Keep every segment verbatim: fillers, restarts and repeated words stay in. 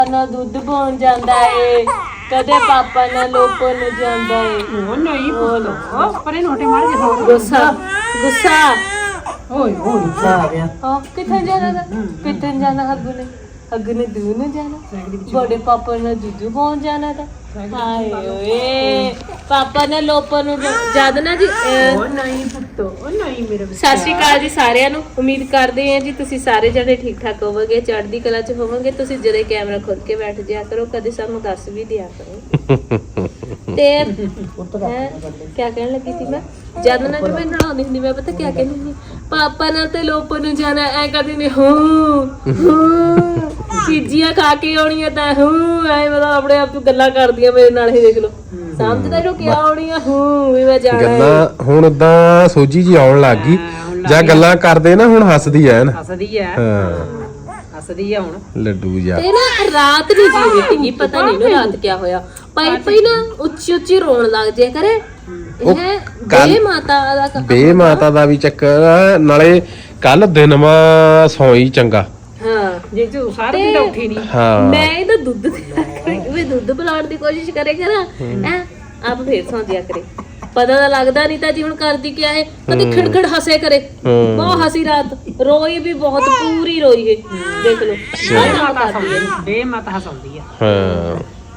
ਨਾ ਦੁੱਧ ਪਾਉਣ ਜਾਂਦਾ ਏ, ਕਦੇ ਪਾਪਾ ਨਾਲ ਲੋਪੋ ਨੂੰ ਜਾਂਦਾ ਏ। ਉਹ ਨਹੀਂ ਪੁੱਤ ਪਰੇ ਨੋਟੇ ਮਾਰ ਕੇ ਹੋ ਗੁੱਸਾ ਗੁੱਸਾ ਓਏ ਓਏ ਆ ਗਿਆ ਹਾਂ ਕਿੱਥੇ ਜਾਣਾ ਤਾ? ਕਿੱਥੇ ਜਾਣਾ ਹੱਗੂ ਨੇ ਹੱਗੂ ਨੇ ਦੂਰ ਨੂੰ ਜਾਣਾ, ਬੜੇ ਪਾਪਾ ਨਾਲ ਦੁੱਧ ਪਾਉਣ ਜਾਣਾ ਤਾਂ ਹਾਏ ਓਏ ਪਾਪਾ ਨੇ ਲੋਪੋ ਨੂੰ ਜਦ ਨਾ ਜੀ ਅਹ, ਉਹ ਨਹੀਂ ਪੁੱਤ ਉਹ ਨਹੀਂ ਮੇਰੇ ਸਤਿ ਸ਼੍ਰੀ ਅਕਾਲ ਜੀ ਸਾਰਿਆਂ ਨੂੰ। ਉਮੀਦ ਕਰਦੇ ਹਾਂ ਜੀ ਤੁਸੀਂ ਸਾਰੇ ਜਣੇ ਠੀਕ ਠਾਕ ਹੋਵੋਗੇ, ਚੜ੍ਹਦੀ ਕਲਾ 'ਚ ਹੋਵੋਗੇ। ਤੁਸੀਂ ਜਦੋਂ ਕੈਮਰਾ ਖੋਲ ਕੇ ਬੈਠ ਜਾਇਆ ਕਰੋ, ਕਦੇ ਸਾਨੂੰ ਦੱਸ ਵੀ ਦਿਆ ਕਰੋ। ਤੇ ਹੈਂ, ਕਿਆ ਕਹਿਣ ਲੱਗੀ ਸੀ ਮੈਂ? ਜਦ ਨਾ ਜਿਵੇਂ ਨਹਾਉਂਦੀ ਹੁੰਦੀ ਮੈਂ ਪਤਾ ਕਿਆ ਕਹਿੰਦੀ ਸੀ, ਪਾਪਾ ਨਾਲ ਤੇ ਲੋਪੋ ਨੂੰ ਜਾਣਾ ਐ ਕਦੀ ਨਹੀਂ ਹੂੰ ਹੂੰ ਚੀਜ਼ੀਆਂ ਖਾ ਕੇ ਆਉਣੀਆਂ ਤਾਂ ਹੂੰ ਐ ਮਤਲਬ ਆਪਣੇ ਆਪ ਤੋਂ ਗੱਲਾਂ ਕਰਦੀਆਂ ਮੇਰੇ ਨਾਲ। ਇਹ ਦੇਖ ਲਓ ਸਮਝਦਾ ਜੋ ਕਿਆ ਆਉਣੀਆਂ ਹੂੰ ਵੀ ਮੈਂ ਜਾਣਾ ਗੱਲਾਂ ਹੁਣ ਉਦਾਂ ਸੋਝੀ ਜੀ ਆਉਣ ਲੱਗ ਗਈ ਜਾਂ ਗੱਲਾਂ ਕਰਦੇ ਨਾ ਹੁਣ ਹੱਸਦੀ ਐ ਨਾ ਹੱਸਦੀ ਆ ਹਾਂ ਹੱਸਦੀ ਆ ਹੁਣ ਲੱਡੂ ਜਾ ਤੇ ਨਾ ਰਾਤ ਨਹੀਂ ਜੀ ਬੀਤੀ, ਪਤਾ ਨਹੀਂ ਨਾ ਰਾਤ ਕਿਆ ਹੋਇਆ, ਪਈ ਪਈ ਨਾ ਉੱਚੀ ਉੱਚੀ ਰੋਣ ਲੱਗ ਜਿਆ ਕਰੇ। ਉਹ ਇਹ ਕੱਲ੍ਹ- ਬੇ ਮਾਤਾ ਦਾ ਕ- ਬੇ ਮਾਤਾ ਦਾ ਵੀ ਚੱਕਰ ਆ, ਨਾਲੇ ਕੱਲ ਦਿਨ ਮਾ ਸੌਈ ਚੰਗਾ। ਹਾਂ ਜੇ ਤੂੰ ਸਾਰੇ ਦਿਨ ਉੱਠੀ ਨਹੀਂ ਹਾਂ ਮੈਂ ਇਹਦਾ ਦੁੱਧ ਵੀ ਦੁੱਧ ਪਿਲਾਉਣ ਦੀ ਕੋਸ਼ਿਸ਼ ਕਰੇ ਕਰਾਂ ਐ ਆਪ ਫੇਰ ਸੌਂ ਜਿਆ ਕਰੇ, ਪਤਾ ਤਾਂ ਲੱਗਦਾ ਨਹੀਂ ਤਾਂ ਜੀ ਹੁਣ ਕਰਦੀ ਕਿਆ ਹੈ, ਕਦੇ ਖਿੜਖਿੜ ਹੱਸੇ ਕਰੇ, ਬਹੁਤ ਹੱਸੀ ਰਾਤ ਰੋਈ ਵੀ ਬਹੁਤ ਪੂਰੀ ਰੋਈ ਹੈ ਦੇਖ ਲਓ ਕਰਦੀ ਹੈ। ਬੇ ਮਤ ਹਸਾਉਂਦੀ ਆ ਹਾਂ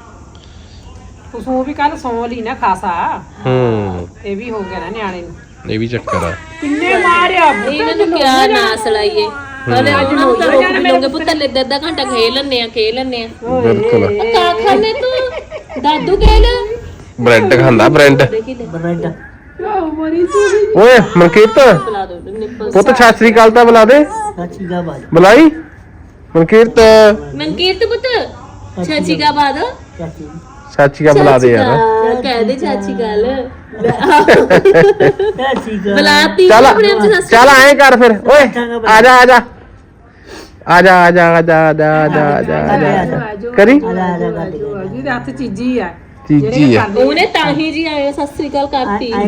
ਉਸ ਉਹ ਵੀ ਕੱਲ ਸੌਂ ਲਈ ਨਾ ਖਾਸਾ ਹੂੰ ਇਹ ਵੀ ਹੋ ਗਿਆ ਨਾ ਨਿਆਣੇ ਨੂੰ ਇਹ ਵੀ ਚੱਕਰ ਆ। ਕਿੰਨੇ ਮਾਰਿਆ ਇਹਨਾਂ ਨੂੰ ਕਿਆ ਨਾਸ ਲਾਈਏ, ਕਦੇ ਅੱਜ ਨੂੰ ਤਾਂ ਰੋਕ ਵੀ ਲਓਗੇ ਪੁੱਤ ਲੈ ਅੱਧਾ ਘੰਟਾ ਖੇਲ ਲੈਣੇ ਆ ਖੇਲ ਲੈਣੇ ਆ। ਬਿਲਕੁਲ ਕਾ ਖਾਣੇ ਤੂੰ ਦਾਦੂ ਖੇਲ ਬ੍ਰੈਡ ਖਾਂਦਾ ਬ੍ਰੈਡ। ਦੇਖੀ ਲੈ ਬਰੈਡ ਓਏ ਮਨਕੀਰਤ ਬੁਲਾ ਦੋ ਨਿੱਪਲ ਪੁੱਤ ਸਤਿ ਸ੍ਰੀ ਅਕਾਲ ਤਾਂ ਬੁਲਾ ਦੇ, ਸੱਚੀ ਗਾ ਬਾਜ ਬੁਲਾਈ ਮਨਕੀਰਤ ਮਨਕੀਰਤ ਪੁੱਤ ਚਾਚੀ ਕਾ ਬਾਦ ਚਾਚੀ ਚਾਚੀ ਕਾ ਬੁਲਾ ਦੇ ਯਾਰ। ਕਹਿ ਦੇ ਚਾਚੀ ਗੱਲ ਚਾਚੀ ਗਾ ਬੁਲਾਤੀ ਚੱਲ ਆਪਣੇ ਆਪ ਚ ਚੱਲ ਐਂ ਕਰ ਫਿਰ ਓਏ ਆ ਜਾ ਆ ਜਾ ਆ ਜਾ ਆ ਜਾ ਆ ਜਾ ਆ ਜਾ ਆ ਜਾ ਆ ਜਾ ਆ ਜਾ ਕਰੀ ਜਿਹਦੇ ਹੱਥ ਚੀਜੀ ਆ ਚੀਜੀ ਆ ਉਹਨੇ ਤਾਂ ਹੀ ਜੀ ਆਏ ਸਤਿ ਸ੍ਰੀ ਅਕਾਲ ਕਰਤੀ। ਆਏ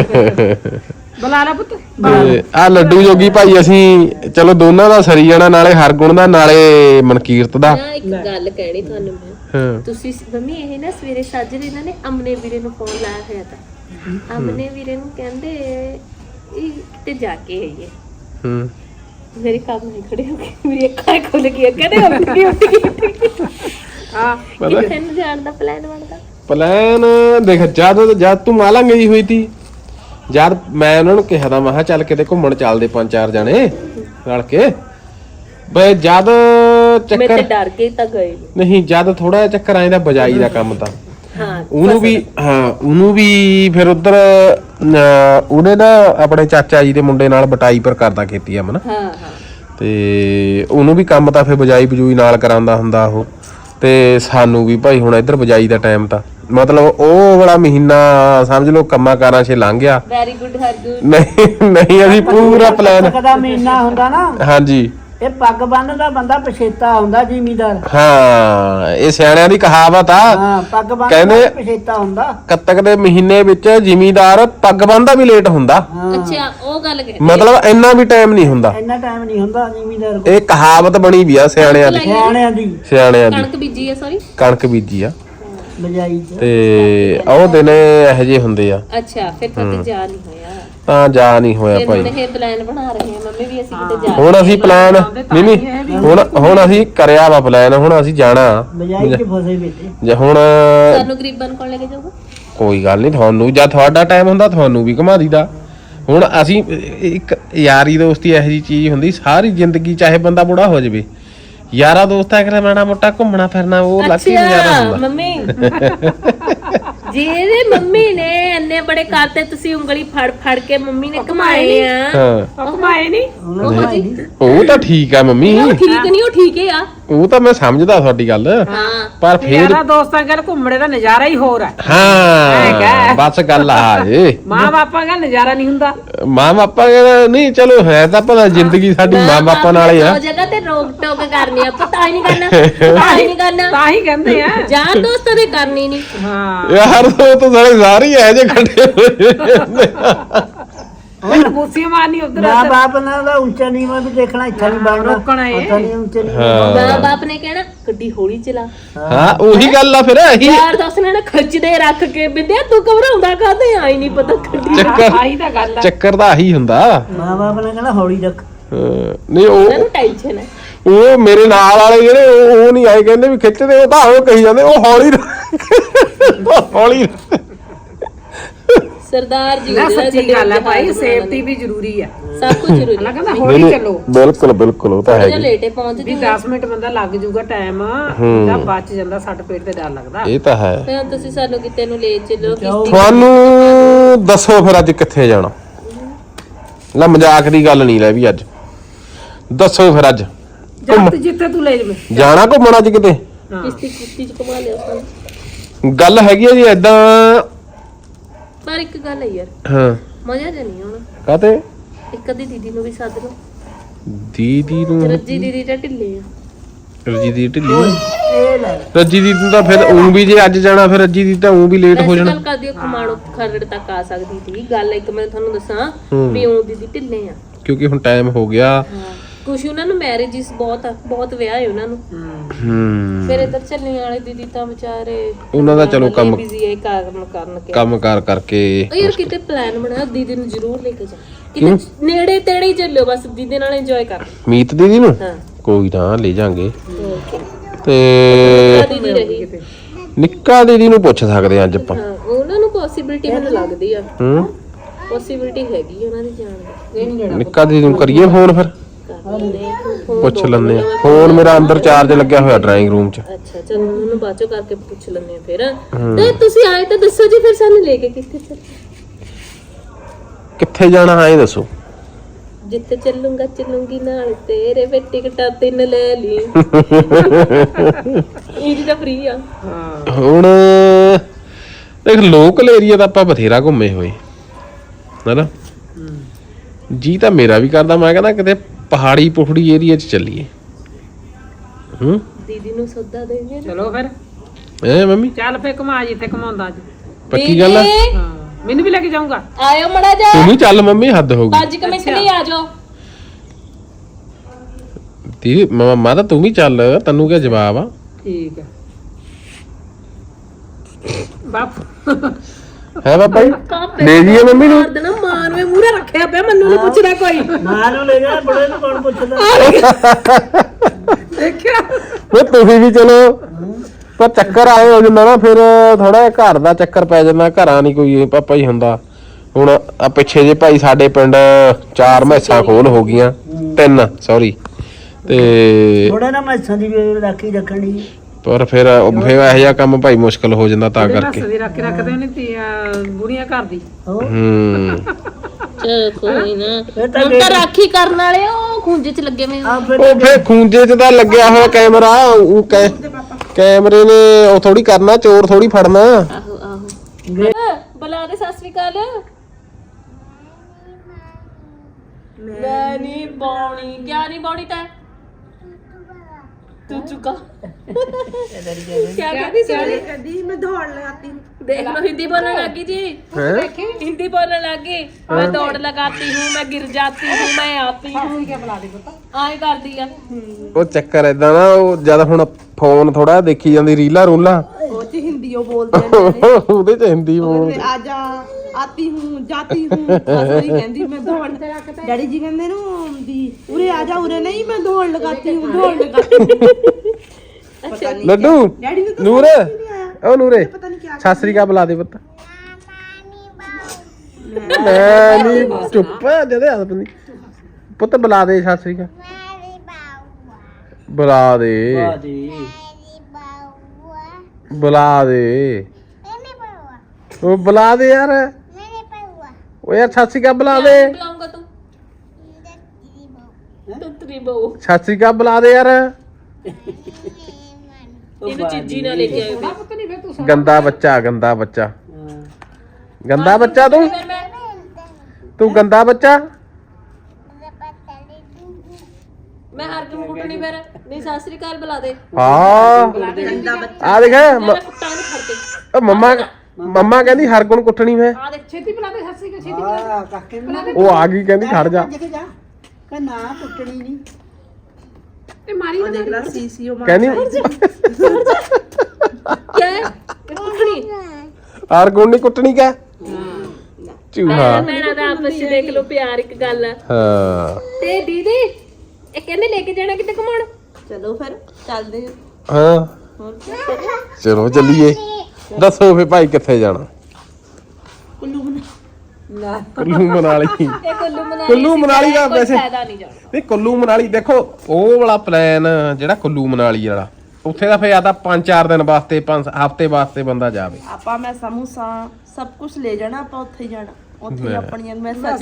ਕਰ ਬੁਲਾ ਲੈ ਪੁੱਤ ਤੇ ਆ ਲੱਡੂ ਜੋਗੀ ਭਾਈ ਅਸੀਂ ਚਲੋ ਦੋਨਾਂ ਦਾ ਸਰੀ ਜਾਣਾ, ਨਾਲੇ ਹਰਗੁਣ ਦਾ ਨਾਲੇ ਮਨਕੀਰਤ ਦਾ। ਨਾ ਇੱਕ ਗੱਲ ਕਹਿਣੀ ਤੁਹਾਨੂੰ ਮੈਂ, ਹਾਂ ਤੁਸੀਂ ਮੰਮੀ ਇਹ ਨਾ ਸਵੇਰੇ ਸਾਜਰੇ ਇਹਨਾਂ ਨੇ ਅਮਨੇ ਵੀਰੇ ਨੂੰ ਫੋਨ ਲਾਇਆ ਹੋਇਆ ਤਾਂ ਅਮਨੇ ਵੀਰੇ ਨੂੰ ਕਹਿੰਦੇ ਇਹ ਕਿਤੇ ਜਾ ਕੇ ਆਈਏ। ਹੂੰ ਮੇਰੇ ਕੰਮ ਨਹੀਂ ਖੜੇ ਹੋ ਗਏ, ਮੇਰੀ ਅੱਖਾਂ ਖੁੱਲ ਗਈਆਂ, ਕਹਿੰਦੇ ਅਮਨੇ ਉੱਠ ਗਈ। ਹਾਂ ਕਿੱਥੇ ਨੂੰ ਜਾਣ ਦਾ ਪਲਾਨ ਬਣਦਾ? ਪਲਾਨ ਦੇਖ ਜਦ ਜਦ ਤੂੰ ਮਾਲਾ ਗਈ ਹੋਈ ਤੀ, ਜਦ ਮੈਂ ਉਹਨਾਂ ਨੂੰ ਕਿਹਾ ਤਾਂ ਮੈਂ ਕਿਹਾ ਚੱਲ ਕਿਤੇ ਘੁੰਮਣ ਚੱਲਦੇ ਪੰਜ ਚਾਰ ਜਣੇ ਰਲ ਕੇ, ਬਈ ਜਦ ਮੈਂ ਤੇ ਚੱਕਰ ਡਰ ਕੇ ਤਾਂ ਗਏ ਨੀ। ਨਹੀਂ ਜਦ ਥੋੜਾ ਜਿਹਾ ਚੱਕਰ ਆਇਆ ਬਜਾਈ ਦਾ ਕੰਮ ਤਾਂ ਹਾਂ ਉਹਨੂੰ ਵੀ ਹਾਂ ਉਹਨੂੰ ਵੀ ਫਿਰ ਉਧਰ ਉਹਨੇ ਨਾ ਆਪਣੇ ਚਾਚਾ ਜੀ ਦੇ ਮੁੰਡੇ ਨਾਲ ਬਟਾਈ ਪਰ ਕਰਦਾ ਖੇਤੀ ਅਮਨ, ਹਾਂ ਹਾਂ ਤੇ ਉਹਨੂੰ ਵੀ ਕੰਮ ਤਾਂ ਫਿਰ ਬਜਾਈ ਬਜੂਈ ਨਾਲ ਕਰਾਉਂਦਾ ਹੁੰਦਾ ਉਹ। ਤੇ ਸਾਨੂੰ ਵੀ ਭਾਈ ਹੁਣ ਇੱਧਰ ਬਜਾਈ ਦਾ ਟਾਈਮ ਤਾਂ ਮਤਲਬ ਉਹ ਵਾਲਾ ਮਹੀਨਾ ਸਮਝ ਲਓ ਕੰਮਾਂ ਕਾਰਾਂ 'ਚ ਲੰਘ ਗਿਆ। Very good Hargun. ਨਹੀਂ ਨਹੀਂ ਅਸੀਂ ਪੂਰਾ ਪਲਾਨ ਦਾ ਮਹੀਨਾ ਹੁੰਦਾ ਨਾ, ਹਾਂਜੀ ਇਹ ਪੱਗ ਬੰਨਦਾ ਬੰਦਾ ਪਛੇਤਾ ਹੁੰਦਾ ਜ਼ਿਮੀਦਾਰ। ਹਾਂ ਇਹ ਸਿਆਣਿਆਂ ਦੀ ਕਹਾਵਤ ਆ। ਹਾਂ ਪੱਗ ਬੰਨਦਾ ਕਹਿੰਦੇ ਪਛੇਤਾ ਹੁੰਦਾ। ਕੱਤਕ ਦੇ ਮਹੀਨੇ ਵਿੱਚ ਜ਼ਿਮੀਦਾਰ ਪੱਗ ਬੰਨਦਾ ਵੀ ਲੇਟ ਹੁੰਦਾ, ਅੱਛਾ ਉਹ ਗੱਲ ਕਹਿ ਮਤਲਬ ਇੰਨਾ ਵੀ ਟਾਈਮ ਨਹੀਂ ਹੁੰਦਾ। ਇੰਨਾ ਟਾਈਮ ਨਹੀਂ ਹੁੰਦਾ ਜ਼ਿਮੀਦਾਰ ਕੋਲ, ਇਹ ਕਹਾਵਤ ਬਣੀ ਵੀ ਆ ਸਿਆਣਿਆਂ ਦੀ ਸਿਆਣਿਆਂ ਦੀ ਸਿਆਣਿਆਂ ਦੀ ਕਣਕ ਬੀਜੀ ਆ ਸੌਰੀ ਕਣਕ ਬੀਜੀ ਆ ਬਜਾਈ ਚ। ਤੇ ਉਹ ਦਿਨ ਇਹੋ ਜਿਹੇ ਹੁੰਦੇ ਆ, ਅੱਛਾ ਫਿਰ ਕਦੇ ਜਾ ਨਹੀਂ ਹੋਇਆ, ਤਾਂ ਜਾ ਨਹੀਂ ਹੋਇਆ ਫਿਰ ਭਾਈ। ਹੁਣ ਇਹ ਪਲਾਨ ਬਣਾ ਰਹੇ ਹਾਂ ਮੰਮੀ ਵੀ ਅਸੀਂ ਕਿਤੇ ਜਾ ਹੁਣ ਅਸੀਂ ਪਲਾਨ ਨਹੀਂ ਨਹੀਂ ਹੁਣ ਹੁਣ ਅਸੀਂ ਕਰਿਆ ਵਾ ਪਲਾਨ, ਹੁਣ ਅਸੀਂ ਜਾਣਾ ਬਜਾਈ ਚ ਫਸੇ ਵਿੱਚ ਜੇ ਹੁਣ ਸਾਨੂੰ ਗਰੀਬਾਂ ਨੂੰ ਕੋਲ ਲੈ ਕੇ ਜਾਊਗਾ। ਕੋਈ ਗੱਲ ਨਹੀਂ, ਤੁਹਾਨੂੰ ਜਦ ਤੁਹਾਡਾ ਟਾਈਮ ਹੁੰਦਾ ਤੁਹਾਨੂੰ ਵੀ ਘੁਮਾ ਦੀਦਾ। ਹੁਣ ਅਸੀਂ ਇੱਕ ਯਾਰੀ ਦੋਸਤੀ ਇਹੋ ਜਿਹੀ ਚੀਜ਼ ਹੁੰਦੀ ਸਾਰੀ ਜ਼ਿੰਦਗੀ, ਚਾਹੇ ਬੰਦਾ ਬੁੜਾ ਹੋ ਜਾਵੇ, ਯਾਰਾ ਦੋਸਤਾਂ ਕੋਲ ਮਾੜਾ ਮੋਟਾ ਘੁੰਮਣਾ ਫਿਰਨਾ ਉਹ ਲੱਕੀ ਨਜ਼ਾਰਾ ਹੁੰਦਾ। ਮੰਮੀ ਜਿਹਦੇ ਮੰਮੀ ਨੇ ਇੰਨੇ ਬੜੇ ਕਰਤੇ, ਤੁਸੀਂ ਉਂਗਲੀ ਫੜ ਫੜ ਕੇ ਮੰਮੀ ਨੇ ਘਮਾਏ ਆ। ਹਾਂ ਉਹ ਕਮਾਏ ਨਹੀਂ ਉਹ ਤਾਂ ਠੀਕ ਆ ਮੰਮੀ, ਉਹ ਠੀਕ ਨਹੀਂ, ਉਹ ਠੀਕ ਹੀ ਆ। ਉਹ ਤਾਂ ਮੈਂ ਸਮਝਦਾ ਤੁਹਾਡੀ ਗੱਲ, ਹਾਂ ਪਰ ਫਿਰ ਯਾਰਾ ਦੋਸਤਾਂ ਨਾਲ ਘੁੰਮਣੇ ਦਾ ਨਜ਼ਾਰਾ ਹੀ ਹੋਰ ਹੈ। ਹਾਂ ਬਸ ਗੱਲ ਆ ਏ ਮਾਂ ਬਾਪਾਂ ਦਾ ਨਜ਼ਾਰਾ ਨਹੀਂ ਹੁੰਦਾ। ਮਾਂ ਬਾਪਾ ਨਹੀਂ, ਚਲੋ ਹੈ ਤਾਂ ਪਤਾ ਜ਼ਿੰਦਗੀ ਸਾਡੀ ਮਾਂ ਬਾਪਾਂ ਨਾਲ ਹੀ ਆ। ਉਹ ਜਗ੍ਹਾ ਤੇ ਰੋਕ ਟੋਕ ਕਰਨੀ ਆ, ਪਤਾ ਹੀ ਨਹੀਂ ਕਰਨਾ, ਪਤਾ ਹੀ ਨਹੀਂ ਕਰਨਾ, ਤਾਂ ਹੀ ਕਹਿੰਦੇ ਆ ਯਾਰ ਦੋਸਤਾਂ ਦੇ ਕਰਨੀ ਨਹੀਂ। ਹਾਂ ਯਾਰ ਉਹ ਤਾਂ ਸਾਰੇ ਸਾਰੇ ਐ ਜੇ ਖੜੇ ਹੋਏ ਉਹ ਬੋਸੀਆਂ ਮਾਰਨੀ ਉਧਰ ਮਾਂ ਬਾਪ ਨਾਲ ਦਾ ਉੱਚਾ ਨੀਵਾਂ ਵੀ ਦੇਖਣਾ, ਇੱਥੇ ਨਹੀਂ ਬਣਨਾ, ਰੋਕਣਾ ਇਹ। ਪਤਾ ਨਹੀਂ ਉੱਚੇ ਨੀਵਾਂ। ਹਾਂ ਮਾਂ ਬਾਪ ਨੇ ਕਹਿਣਾ ਗੱਡੀ ਹੌਲੀ ਚਲਾ, ਹਾਂ ਉਹੀ ਗੱਲ ਆ ਫਿਰ ਇਹੀ ਯਾਰ ਦੋਸਤ ਨੇ ਨਾ ਖਿੱਚਦੇ ਰੱਖ ਕੇ ਬਿੰਦਿਆ ਤੂੰ ਘਬਰਾਉਂਦਾ ਕਾਹਦੇ ਆਈ ਨਹੀਂ ਪਤਾ ਗੱਡੀ ਚੱਕਰ ਆਹੀ ਤਾਂ ਗੱਲ ਆ। ਚੱਕਰ ਤਾਂ ਆਹੀ ਹੁੰਦਾ। ਮਾਂ ਬਾਪ ਨੇ ਕਹਿਣਾ ਹੌਲੀ ਰੱਖ। ਹਾਂ, ਨਹੀਂ ਉਹ ਉਹਨੂੰ ਟੈਨਸ਼ਨ ਹੈ। ਉਹ ਮੇਰੇ ਨਾਲ ਵਾਲੇ ਜਿਹੜੇ ਉਹ ਉਹ ਨਹੀਂ ਆਏ ਕਹਿੰਦੇ ਵੀ ਖਿੱਚਦੇ, ਉਹ ਤਾਂ ਉਹ ਕਹੀ ਜਾਂਦੇ ਉਹ ਹੌਲੀ ਰੱਖ, ਉਹ ਹੌਲੀ ਰੱਖ। ਸਰਦਾਰ ਜੀ ਨਾ ਜਿਹੜਾ ਸੱਚੀ ਗੱਡੀ ਗੱਲ ਹੈ ਜਹਾਜ਼ ਭਾਈ, ਬਣਾਉਣਾ ਸੇਫਟੀ ਵੀ ਜ਼ਰੂਰੀ ਆ। ਸਭ ਕੁਝ ਜ਼ਰੂਰੀ ਅਲਾ ਹੈ। ਕਹਿੰਦਾ ਨਹੀਂ, ਹੌਲੀ ਨਹੀਂ, ਚੱਲੋ। ਬਿਲਕੁਲ ਬਿਲਕੁਲ ਉਹ ਤਾਂ ਜਿਹੜਾ ਹੈਗੀ। ਲੇਟੇ ਪਹੁੰਚ ਵੀ ਜੂ ਦਸ ਮਿੰਟ ਬੰਦਾ ਲੱਗ ਜੂਗਾ ਟਾਈਮ, ਹੂੰ। ਤਾਂ ਬਚ ਜਾਂਦਾ, ਸੱਟ ਪੇਟ ਤੇ ਡਰ ਲੱਗਦਾ। ਇਹ ਤਾਂ ਹੈ। ਫਿਰ ਹੁਣ ਤੁਸੀਂ ਸਾਨੂੰ ਕਿਤੇ ਨੂੰ ਲੈ ਚੱਲੋ ਕਿਸ਼ਤੀ ਤੁਹਾਨੂੰ ਦੱਸੋ ਫਿਰ ਅੱਜ ਕਿੱਥੇ ਜਾਣਾ? ਲੈ ਮਜ਼ਾਕ ਦੀ ਗੱਲ ਨਹੀਂ ਲੈ ਵੀ ਅੱਜ ਦੱਸੋ ਫਿਰ ਅੱਜ ਜਦ ਜਿੱਥੇ ਤੂੰ ਲੈ ਜਵੇਂ ਜਾਣਾ ਘੁੰਮਣਾ ਅੱਜ ਕਿਤੇ? ਕਿਸ਼ਤੀ ਕਿਸ਼ਤੀ ਚ ਘੁਮਾ ਲਿਓ ਸਾਨੂੰ। ਗੱਲ ਹੈਗੀ ਆ ਜੀ ਏਦਾਂ। ਪਰ ਇੱਕ ਗੱਲ ਹੈ ਯਾਰ, ਹਾਂ ਮਜ਼ਾ ਜਿਹਾ ਨਹੀਂ ਆਉਣਾ। ਕਾਤੇ? ਇੱਕ ਅੱਧੀ ਦੀਦੀ ਨੂੰ ਵੀ ਸੱਦ ਲਓ। ਦੀਦੀ ਨੂੰ ਰੱਜੀ ਦੀਦੀ ਤਾਂ ਢਿੱਲੇ ਆ। ਰੱਜੀ ਦੀ ਢਿੱਲੀ ਇਹ ਲੈ ਰੱਜੀ ਦੀ ਨੂੰ ਤਾਂ ਫਿਰ ਉਂ ਵੀ ਜੇ ਅੱਜ ਜਾਣਾ ਫਿਰ ਰੱਜੀ ਦੀ ਤਾਂ ਉਂ ਵੀ ਲੇਟ ਹੋ ਵੈਸੇ ਜਾਣਾ। ਗੱਲ ਕਰਦੀ ਖਮਾਣੋ ਖਰੜ ਤੱਕ ਆ ਸਕਦੀ ਸੀ। ਗੱਲ ਇੱਕ ਮੈਂ ਤੁਹਾਨੂੰ ਦੱਸਾਂ ਹੂੰ। ਵੀ ਉਹ ਦੀਦੀ ਢਿੱਲੇ ਆ। ਕਿਉਂਕਿ ਹੁਣ ਟਾਈਮ ਹੋ ਗਿਆ। ਹਾਂ ਕੁਛ ਉਹਨਾਂ ਨੂੰ ਮੈਰਿਜਸ ਬਹੁਤ ਆ, ਬਹੁਤ ਵਿਆਹ ਹੈ ਉਹਨਾਂ ਨੂੰ। ਹੂੰ ਫਿਰ ਇੱਧਰ ਚੱਲਣ ਵਾਲੇ ਦੀਦੀ ਤਾਂ ਵਿਚਾਰੇ ਉਹਨਾਂ ਦਾ ਚਲੋ ਕੰਮ ਬਿਜ਼ੀ ਹੈ ਕਾਰਨ ਕਰਨ ਕੇ। ਕੰਮ ਕਾਰ ਕਰਕੇ ਉਹ ਯਾਰ ਕਿਤੇ ਪਲਾਨ ਬਣਾ, ਦੀਦੀ ਨੂੰ ਜ਼ਰੂਰ ਲੈ ਕੇ ਜਾ। ਕਿਤੇ ਨੇੜੇ ਤੇੜੇ ਹੀ ਚੱਲਿਓ, ਬਸ ਦੀਦੀ ਨਾਲ ਇੰਜੋਏ ਕਰ। ਮੀਤ ਦੀਦੀ ਨੂੰ ਹਾਂ ਕੋਈ ਨਾ ਲੈ ਜਾਾਂਗੇ। ਓਕੇ ਤੇ ਦੀਦੀ ਰਹੀ। ਨਿੱਕਾ ਦੀਦੀ ਨੂੰ ਪੁੱਛ ਸਕਦੇ ਆ ਅੱਜ ਆਪਾਂ। ਹਾਂ ਉਹਨਾਂ ਨੂੰ ਪੋਸੀਬਿਲਿਟੀ ਮੈਨੂੰ ਲੱਗਦੀ ਆ, ਹੂੰ ਪੋਸੀਬਿਲਿਟੀ ਹੈਗੀ ਉਹਨਾਂ ਦੀ ਜਾਣ ਦੀ। ਨਿੱਕਾ ਦੀਦੀ ਨੂੰ ਕਰੀਏ ਫੋਨ ਫਿਰ? ਕਰ ਲੈਂਦੇ ਆ, ਫੋਨ ਪੁੱਛ ਦੋ ਲੈਂਦੇ ਆ। ਮਿੰਟ ਫੋਨ ਮੇਰਾ ਅੰਦਰ ਚਾਰਜ ਲੱਗਿਆ ਹੋਇਆ ਡਰਾਇੰਗ ਰੂਮ 'ਚ। ਅੱਛਾ ਚਲ ਉਹਨੂੰ ਬਾਅਦ ਚੋਂ ਕਰਕੇ ਪੁੱਛ ਲੈਂਦੇ ਆ ਫਿਰ। ਤੇ ਤੁਸੀਂ ਆਏ ਤਾਂ ਦੱਸੋ ਜੀ, ਫਿਰ ਸਾਨੂੰ ਲੈ ਕੇ ਕਿੱਥੇ ਚੱਲ? ਕਿੱਥੇ ਜਾਣਾ ਹੈ ਇਹ ਦੱਸੋ? ਜਿੱਥੇ ਚੱਲੂੰਗਾ ਚੱਲੂੰਗੀ ਨਾਲ ਤੇਰੇ ਵੇ ਟਿਕਟਾਂ ਤਿੰਨ ਲੈ ਲਈ। ਇਹ ਤਾਂ ਫ੍ਰੀ ਆ। ਹੁਣ ਦੇਖ ਲੋਕਲ ਏਰੀਆ ਤਾਂ ਆਪਾਂ ਬਥੇਰਾ ਘੁੰਮੇ ਹੋਏ ਹੈਨਾ। ਜੀ ਤਾਂ ਮੇਰਾ ਵੀ ਕਰਦਾ, ਮੈਂ ਕਹਿੰਦਾ ਕਿਤੇ ਪਹਾੜੀ ਪੁਖੜੀ ਏਰੀਆ 'ਚ ਚੱਲੀਏ। ਹੂੰ ਦੀਦੀ ਨੂੰ ਸੱਦਾ ਦੇਂਗੇ। ਚਲੋ ਫਿਰ ਐ ਮੰਮੀ ਚੱਲ ਫੇ ਘੁਮਾ ਜਿੱਥੇ ਘੁਮਾਉਂਦਾ ਅੱਜ। ਪੱਕੀ ਗੱਲ ਆ। ਹਾਂ ਮੈਨੂੰ ਵੀ ਲੈ ਕੇ ਜਾਊਂਗਾ। ਆਇਓ ਮੜਾ ਜਾ ਤੂੰ ਵੀ ਚੱਲ ਮੰਮੀ, ਹੱਦ ਹੋ ਗਈ। ਪੰਜ ਕੁ ਮਿੰਟ ਲਈ ਆ ਜਾਓ। ਦੀਦੀ ਮਾਂ ਤਾਂ ਤੂੰ ਵੀ ਚੱਲ, ਤੈਨੂੰ ਕੀ ਜਵਾਬ ਆ? ਠੀਕ ਹੈ ਬਾਪ। ਹੈ ਬਾਬਾ ਜੀ ਲੈ ਜੀਏ ਮੰਮੀ ਨੂੰ। ਮਾਰ ਦੇਣਾ, ਮਾਂ ਨੂੰ ਮੂਹਰੇ ਰੱਖਿਆ ਪਿਆ, ਮੈਨੂੰ ਨਹੀਂ ਪੁੱਛਦਾ ਕੋਈ। ਮਾਂ ਨੂੰ ਲੈ ਜਾ, ਬੜੇ ਨੂੰ ਕੌਣ ਪੁੱਛਦਾ? ਦੇਖਿਆ ਫਿਰ ਤੁਸੀਂ ਵੀ ਚਲੋ, ਪਰ ਚੱਕਰ ਆਏ ਹੋ ਜਾਂਦਾ ਨਾ, ਫਿਰ ਥੋੜਾ ਘਰ ਦਾ ਚੱਕਰ ਪੈ ਜਾਂਦਾ। ਘਰਾਂ ਨਹੀਂ ਕੋਈ ਪਾਪਾ ਹੀ ਹੁੰਦਾ। ਹੁਣ ਆ ਪਿੱਛੇ ਜੇ ਭਾਈ ਸਾਡੇ ਪਿੰਡ ਚਾਰ ਮੈਸਾਂ ਖੋਲ ਹੋ ਗਈਆਂ, ਤਿੰਨ ਸੌਰੀ। ਤੇ ਥੋੜਾ ਨਾ ਮੈਸਾਂ ਦੀ ਵੀ ਰਾਖੀ ਰੱਖਣੀ। ਪਰ ਫਿਰ ਫਿਰ ਇਹੋ ਜਿਹਾ ਕੰਮ ਭਾਈ ਮੁਸ਼ਕਲ ਹੋ ਜਾਂਦਾ ਤਾਂ ਕਰਕੇ। ਸਦੀ ਰੱਖ ਕੇ ਰੱਖਦੇ ਨੇ ਤੀ ਬੁੜੀਆਂ ਘਰ ਦੀ। ਹੋ ਹੂੰ ਚਲ ਕੋਈ ਨਾ, ਇਹ ਤਾਂ ਹੁਣ ਤਾਂ ਰਾਖੀ ਕਰਨ ਵਾਲੇ ਉਹ ਖੁੰਝੇ ਚ ਲੱਗੇ ਹੋਏ ਆ। ਆ ਫਿਰ ਉਹ ਫਿਰ ਖੂੰਜੇ 'ਚ ਤਾਂ ਲੱਗਿਆ ਹੋਇਆ ਕੈਮਰਾ। ਉਹ ਕੈ ਕੈਮਰੇ ਨੇ ਉਹ ਥੋੜੀ ਕਰਨਾ, ਚੋਰ ਥੋੜੀ ਫੜਨਾ। ਆਹੋ ਆਹੋ ਬੁਲਾ ਦੇ ਸਤਿ ਸ੍ਰੀ ਅਕਾਲ। ਮੈਂ ਨਹੀਂ ਬਾਉਣੀ। ਕਿਆ ਨਹੀਂ ਬਾਉਣੀ ਤੈਂ? ਤੂੰ ਚੁੱਕਾ क्या कहती सर? ਕਦੀ ਮੈਂ ਦੌੜ ਲਗਾਤੀ देख लो हिंदी बोलने लगी जी। हिंदी बोलने लगी। मैं दौड़ लगाती हूँ, मैं गिर जाती हूँ, मैं आती हूँ। आए कर दिया। ਉਹ ਚੱਕਰ ਏਦਾਂ ਨਾ, ਉਹ ਜਦ ਹੁਣ ਫੋਨ ਥੋੜਾ ਦੇਖੀ ਜਾਂਦੀ ਰੀਲਾਂ ਰੂਲਾਂ, ਉਹ ਚ ਹਿੰਦੀ ਉਹ ਬੋਲਦੇ ਨੇ। ਉਹਦੇ 'ਚ ਹਿੰਦੀ ਬੋਲ। ਆ ਜਾ ਆਤੀ ਹੂੰ ਜਾਤੀ ਹੂੰ ਅਸਲੀ ਕਹਿੰਦੀ ਮੈਂ ਦੌੜ ਡੈਡੀ ਜੀ ਕਹਿੰਦੇ ਨੂੰ ਵੀ ਉਰੇ ਆ ਜਾ, ਉਰੇ ਨਹੀਂ ਮੈਂ ਦੌੜ ਲਗਾਤੀ ਹੂੰ ਦੌੜ ਲਗਾਤੀ ਹੂੰ। ਪਤਾ ਨਹੀਂ ਲੱਡੂ ਡੈਡੀ ਨੂੰ ਤਾਂ ਨੂਰ, ਸਮਝ ਹੀ ਨਹੀਂ ਆਇਆ। ਉਹ ਨੂਰੇ ਪਤਾ ਨਹੀਂ ਕਿਆ ਸਤਿ ਸ੍ਰੀ ਅਕਾਲ ਬੁਲਾ ਦੇ ਪੁੱਤ। ਮੈਂ ਨਹੀਂ ਚੁੱਪ ਜਦੇ ਹੱਥ ਬੰਦੀ ਪੁੱਤ, ਬੁਲਾ ਦੇ ਸਤਿ ਸ੍ਰੀ ਅਕਾਲ ਬੁਲਾ ਦੇ, ਬੁਲਾ ਦੇ, ਉਹ ਬੁਲਾ ਦੇ ਯਾਰ। ਉਹ ਯਾਰ ਸਤਿ ਸ੍ਰੀ ਅਕਾਲ ਬੁਲਾ ਦੇ, बुलाऊंगा तू तू तेरी बहू। ਸਤਿ ਸ੍ਰੀ ਅਕਾਲ ਬੁਲਾ ਦੇ ਯਾਰ। ਇਹਨੂੰ ਚੀਜੀ ਨਾ ਲੈ ਕੇ ਆਇਓ ਫਿਰ। ਪਤਾ ਨਹੀਂ ਫੇ ਤੂੰ ਗੰਦਾ ਬੱਚਾ, ਗੰਦਾ ਬੱਚਾ, ਗੰਦਾ ਬੱਚਾ ਤੂੰ, ਫਿਰ ਮੈਂ ਤੂੰ ਗੰਦਾ ਬੱਚਾ। ਮੈਂ ਹਰ ਕਿਉਂ ਕੁੱਟਣੀ ਫਿਰ? ਨਹੀਂ ਸਤਿ ਸ੍ਰੀ ਅਕਾਲ ਬੁਲਾ ਦੇ। ਹਾਂ ਆ ਦੇਖ ਮ- ਮੈਂ ਕੁੱਟਾਂ ਨੂੰ ਫੜ ਕੇ। ਉਹ ਮੰਮਾ ਮੰਮਾ ਕਹਿੰਦੀ ਹਰਗੁਣ ਕੁੱਟਣੀ ਮੈਂ ਆ ਦੇਖ ਛੇਤੀ ਬਣਾ ਦੇ ਸੱਸੀ ਕੇ ਛੇਤੀ ਬਣਾ ਆ ਕਾਕੇ ਨੂੰ ਉਹ ਆ ਗਈ ਕਹਿੰਦੀ ਖੜ ਜਾ ਭੱਜ ਕੇ ਜਾ ਕਹ ਨਾ ਟੁੱਟਣੀ ਨਹੀਂ ਤੇ ਮਾਰੀ ਉਹ ਦੇਖ ਲੈ ਸੀਸੀ ਉਹ ਕਹਿੰਦੀ ਕਿਆ ਹੈ? ਇਹ ਕੁੱਟਣੀ ਹਰਗੁਣ ਨਹੀਂ ਕੁੱਟਣੀ ਕਿਆ ਝੂਠਾ ਭੈਣਾਂ ਦਾ ਆਪਸ ਵਿੱਚ ਦੇਖ ਲਓ ਪਿਆਰ ਇੱਕ ਗੱਲ ਆ ਹਾਂ ਤੇ ਦੀਦੀ ਇਹ ਕਹਿੰਦੇ ਲੈ ਕੇ ਜਾਣਾ ਕਿਤੇ ਘੁਮਾਉਣ ਚਲੋ ਫਿਰ ਚੱਲਦੇ ਹਾਂ ਚਲੋ ਚੱਲੀਏ ਦੱਸੋ ਫੇ ਭਾਈ ਕਿੱਥੇ ਜਾਣਾ ਕੁੱਲੂ ਬਣਾ ਲੈ ਕੁੱਲੂ ਮਨਾਲੀ ਇਹ ਕੁੱਲੂ ਮਨਾਲੀ ਕੁੱਲੂ ਮਨਾਲੀ ਦਾ ਕੋਈ ਵੈਸੇ ਫਾਇਦਾ ਨਹੀਂ ਜਾਣਾ ਨਹੀਂ ਕੁੱਲੂ ਮਨਾਲੀ ਦੇਖੋ ਉਹ ਵਾਲਾ ਪਲਾਨ ਜਿਹੜਾ ਕੁੱਲੂ ਮਨਾਲੀ ਵਾਲਾ ਉੱਥੇ ਦਾ ਫੇ ਆਦਾ ਪੰਜ ਚਾਰ ਦਿਨ ਵਾਸਤੇ ਪੰਜ ਹਫ਼ਤੇ ਵਾਸਤੇ ਬੰਦਾ ਜਾਵੇ ਆਪਾਂ ਮੈਂ ਸਮੋਸਾ ਸਭ ਕੁਝ ਲੈ ਜਾਣਾ ਆਪਾਂ ਉੱਥੇ ਹੀ ਜਾਣਾ ਉੱਥੇ ਹੀ ਆਪਣੀਆਂ ਮੈਂ ਸੱਚ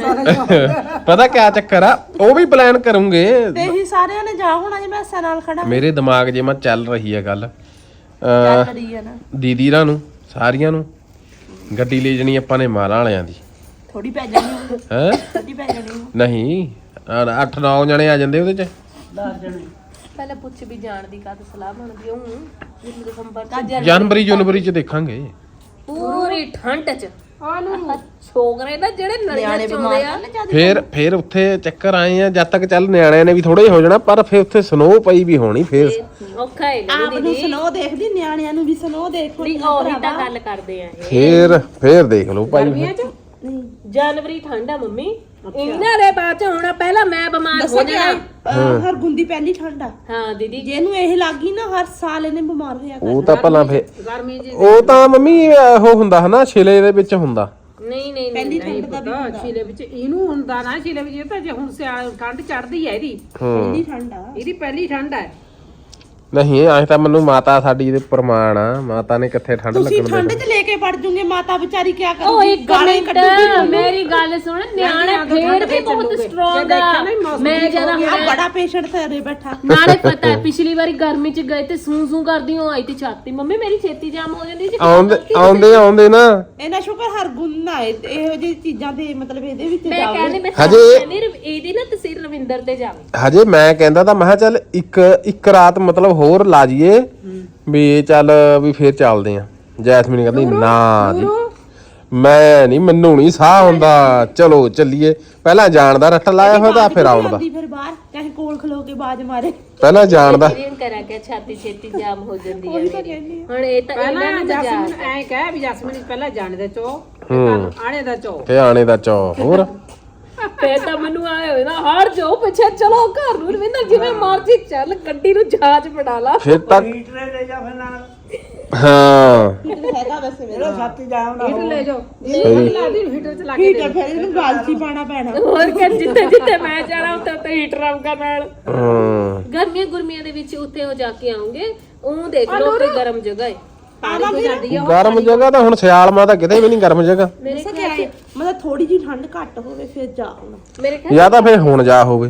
ਪਤਾ ਕਿਆ ਚੱਕਰ ਆ ਉਹ ਵੀ ਪਲਾਨ ਕਰੂੰਗੇ ਤੇ ਹੀ ਸਾਰਿਆਂ ਨੇ ਜਾ ਹੋਣਾ ਜੇ ਮੈਂ ਐਸਾ ਨਾਲ ਖੜਾ ਮੇਰੇ ਦਿਮਾਗ 'ਚ ਮੈਂ ਚੱਲ ਰਹੀ ਆ ਗੱਲ ਚੱਲ ਅਹ ਰਹੀ ਹੈ ਨਾ ਦੀਦੀ ਰਾਂ ਨੂੰ ਸਾਰੀਆਂ ਨੂੰ ਗੱਡੀ ਲੈ ਜਣੀ ਆਪਾਂ ਨੇ ਮਾਲਾਂ ਵਾਲਿਆਂ ਦੀ ਥੋੜੀ ਪੈ ਜਾਣੀ ਉਹ, ਹੈ ਥੋੜੀ ਪੈ ਜਾਣੀ ਉਹ। ਨਹੀਂ ਅੱਠ ਨੌ ਜਣੇ ਆ ਜਾਂਦੇ ਉਹਦੇ 'ਚ ਦਸ ਜਣੇ ਪਹਿਲਾਂ ਪੁੱਛ ਵੀ ਜਾਣ ਦੀ ਕਦ ਸਲਾਹ ਬਣਦੀ ਉਹ ਦਸੰਬਰ ਚ ਜਨਵਰੀ ਜਨਵਰੀ 'ਚ ਦੇਖਾਂਗੇ ਪੂਰੀ ਠੰਡ ਚ ਆ ਨੂੰ ਛੋਕਰੇ ਨਾ ਜਿਹੜੇ ਨਲੀਆਂ ਨਿਆਣੇ ਚੋਂਦੇ ਆ ਬਿਮਾਰ ਫੇਰ ਫੇਰ ਉੱਥੇ ਚੱਕਰ ਆਏ ਆ ਜਦ ਤੱਕ ਚੱਲ ਨਿਆਣਿਆਂ ਨੇ ਵੀ ਥੋੜੇ ਹੋ ਜਾਣਾ ਪਰ ਫੇਰ ਉੱਥੇ ਸਨੋ ਪਈ ਵੀ ਹੋਣੀ ਫੇਰ ਔਖਾ ਹੈ ਆਪ ਨੂੰ ਸਨੋ ਦੇਖਦੀ ਨਿਆਣਿਆਂ ਨੂੰ ਵੀ ਸਨੋ ਦੇਖੋ ਨਹੀਂ ਉਹੀ ਤਾਂ ਗੱਲ ਕਰਦੇ ਆ ਇਹ ਫੇਰ ਫੇਰ ਦੇਖ ਲਓ ਭਾਈ ਗਰਮੀਆਂ ਚ ਨਹੀਂ ਜਨਵਰੀ ਠੰਡ ਆ ਮੰਮੀ ਇਹਨਾਂ ਦੇ ਬਾਅਦ ਚ ਹੋਣਾ ਪਹਿਲਾਂ ਮੈਂ ਬਿਮਾਰ ਹੋ ਦੱਸਾਂ ਜਾਣਾ ਕਿਆ ਹਰ ਗੁੰਦੀ ਪਹਿਲੀ ਠੰਡ ਆ ਹਾਂ ਦੀਦੀ ਜਿਹਨੂੰ ਇਹ ਲੱਗੀ ਨਾ ਹਰ ਸਾਲ ਇਹਨੇ ਬਿਮਾਰ ਹੋਇਆ ਉਹ ਤਾਂ ਭਲਾ ਫੇਰ ਗਰਮੀ ਜੀ ਉਹ ਤਾਂ ਮੰਮੀ ਉਹ ਹੁੰਦਾ ਹਨਾ ਛਿਲੇ ਦੇ ਵਿੱਚ ਹੁੰਦਾ ਨਹੀਂ ਨਹੀਂ ਪਹਿਲੀ ਨਹੀਂ ਠੰਡ ਦਾ ਵੀ ਤਾਂ ਛੀਲੇ ਵਿੱਚ ਇਹਨੂੰ ਹੁੰਦਾ ਨਾ ਛੀਲੇ ਵਿੱਚ ਇਹ ਤਾਂ ਜੇ ਹੁਣ ਸਿਆਲ ਠੰਡ ਚੜਦੀ ਹੈ ਇਹਦੀ ਹੂੰ ਪਹਿਲੀ ਠੰਡ ਆ ਇਹਦੀ ਪਹਿਲੀ ਠੰਡ ਹੈ ਨਹੀਂ ਐਂ ਤਾਂ ਮੈਨੂੰ ਮਾਤਾ ਸਾਡੀ ਦੇ ਪ੍ਰਮਾਣ ਆ ਮਾਤਾ ਨੇ ਕਿੱਥੇ ਠੰਡ ਤੁਸੀਂ ਲੱਗਣ ਠੰਡ ਦੇਣੀ 'ਚ ਲੈ ਕੇ ਪੜ ਜੂਗੇ ਮਾਤਾ ਵਿਚਾਰੀ ਕੀ ਉਹ ਕਰੂਗੀ ਇੱਕ ਮਿੰਟ ਮੇਰੀ ਗੱਲ ਸੁਣ ਨਿਆਣੇ ਫੇਰ ਵੀ ਬਹੁਤ ਸਟਰੋਂਗ ਆ ਮੈਂ ਜਰਾ ਆ ਬੜਾ ਪੇਸ਼ੈਂਟ ਤੇ ਬੈਠਾ ਨਾਲੇ ਪਤਾ ਹੈ ਪਿਛਲੀ ਵਾਰੀ ਗਰਮੀ ਚ ਗਏ ਤੇ ਸੂ ਸੂ ਕਰਦੀ ਹੋ ਆਈ ਤੇ ਛਾਤੀ ਮੰਮੀ ਮੇਰੀ ਛੇਤੀ ਜਾਮ ਹੋ ਜਾਂਦੀ ਜੀ ਆਉਂਦੇ ਆਉਂਦੇ ਆਉਂਦੇ ਨਾ ਇਹਨਾਂ ਸ਼ੁਕਰ ਹਰ ਗੁਣ ਨਾ ਇਹ- ਇਹੋ ਜਿਹੀ ਚੀਜ਼ਾਂ ਦੇ ਮਤਲਬ ਇਹਦੇ ਵਿੱਚ ਮੈਂ ਜਾਵੇ ਕਹਿੰਦੀ ਮੈਂ ਹਜੇ- ਕਹਿੰਦੀ ਰਵ- ਇਹਦੀ ਨਾ ਤਸਵੀਰ ਰਵਿੰਦਰ ਤੇ ਜਾਵੇ ਹਜੇ ਮੈਂ ਕਹਿੰਦਾ ਤਾਂ ਮੈਂ ਕਿਹਾ ਚੱਲ ਇੱਕ ਇੱਕ ਰਾਤ ਮਤਲਬ ਹੋਰ ਲਾ ਜੀਏ ਵੀ ਚੱਲ ਵੀ ਫੇਰ ਚੱਲਦੇ ਆ ਜੈਸਮੀਨ ਕਹਿੰਦੀ ਨਾ ਜੀ ਮੈਂ ਨਹੀਂ ਮੈਨੂੰ ਨਹੀਂ ਸਾਹ ਹੁੰਦਾ ਚਲੋ ਚੱਲੀਏ ਪਹਿਲਾਂ ਜਾਣ ਦਾ ਰੱਟ ਲਾਇਆ ਹੋਇਆ ਤਾਂ ਫਿਰ ਆਉਣ ਦਾ ਫਿਰ ਬਾਹਰ ਚਾਹੇ ਕੋਲ ਖਲੋ ਕੇ ਬਾਜ ਮਾਰੇ ਪਹਿਲਾਂ ਜਾਣ ਦਾ ਇਹਨੂੰ ਕਰਾਂ ਕਿ ਛਾਤੀ ਛੇਤੀ ਜਾਮ ਹੋ ਜਾਂਦੀ ਹੈ ਮੇਰੀ ਹੁਣ ਇਹ ਤਾਂ ਇਹਨਾਂ ਪਹਿਲਾਂ ਨੂੰ ਜਸਮੀਨ ਮਜ਼ਾਕ ਐ ਕਹਿ ਵੀ ਜਸਮੀਨ ਪਹਿਲਾਂ ਜਾਣੇ ਦਾ ਚੋ ਹੂੰ ਆਣੇ ਦਾ ਚੋ ਤੇ ਆਣੇ ਦਾ ਚੌ ਹੋਰ ਫੇਰ ਤਾਂ ਮੈਨੂੰ ਆਏ ਹੋਏ ਨਾ ਹਰ ਜਾਓ ਪਿੱਛੇ ਚਲੋ ਘਰ ਨੂੰ ਰਵਿੰਦਰ ਜਿਵੇਂ ਮਰਜ਼ੀ ਚੱਲ ਗੱਡੀ ਨੂੰ ਜਹਾਜ਼ ਬਣਾ ਲਾ ਫਿਰ ਤੱਕ ਹੀਟਰੇ ਲੈ ਜਾ ਫਿਰ ਨਾਲ ਹਾਂ ਹੈਗਾ ਵੈਸੇ ਮੇਰਾ ਇਹਦਾ ਛਾਤੀ ਜਾਮ ਨਾ ਹੀਟਰ ਹੋ ਲੈ ਜਾਓ ਇਹ ਲਾ ਦੀ ਹੀਟਰ ਚ ਲਾ ਕੇ ਠੀਕ ਹੈ ਫਿਰ ਇਹਨੂੰ ਗਾਲਚੀ ਪਾਣਾ ਪੈਣਾ ਹੋਰ ਕਿ ਜਿੱਥੇ ਜਿੱਥੇ ਮੈਂ ਜਾਣਾ ਉੱਥੇ ਉੱਥੇ ਹੀਟਰ ਆਊਗਾ ਨਾਲ ਹਾਂ ਗਰਮੀਆਂ ਗੁਰਮੀਆਂ ਦੇ ਵਿੱਚ ਉੱਥੇ ਹੋ ਜਾ ਕੇ ਆਉਂਗੇ ਉਹ ਦੇਖ ਲਓ ਉੱਥੇ ਗਰਮ ਜਗ੍ਹਾ ਹੈ ਆਵਾ ਫਿਰ ਗਰਮ ਜਗ੍ਹਾ ਤਾਂ ਹੁਣ ਸਿਆਲ ਮਾ ਤਾਂ ਕਿਤੇ ਵੀ ਨਹੀਂ ਗਰਮ ਜਗ੍ਹਾ ਮੇਰੇ ਦੱਸਾਂ ਕਿਆ ਹੈ ਮਤਲਬ ਥੋੜੀ ਜੀ ਠੰਡ ਘੱਟ ਹੋਵੇ ਫਿਰ ਜਾ ਹੁਣ ਮੇਰੇ ਖਿਆਲ ਜਾਂ ਤਾਂ ਫਿਰ ਹੁਣ ਜਾ ਹੋਵੇ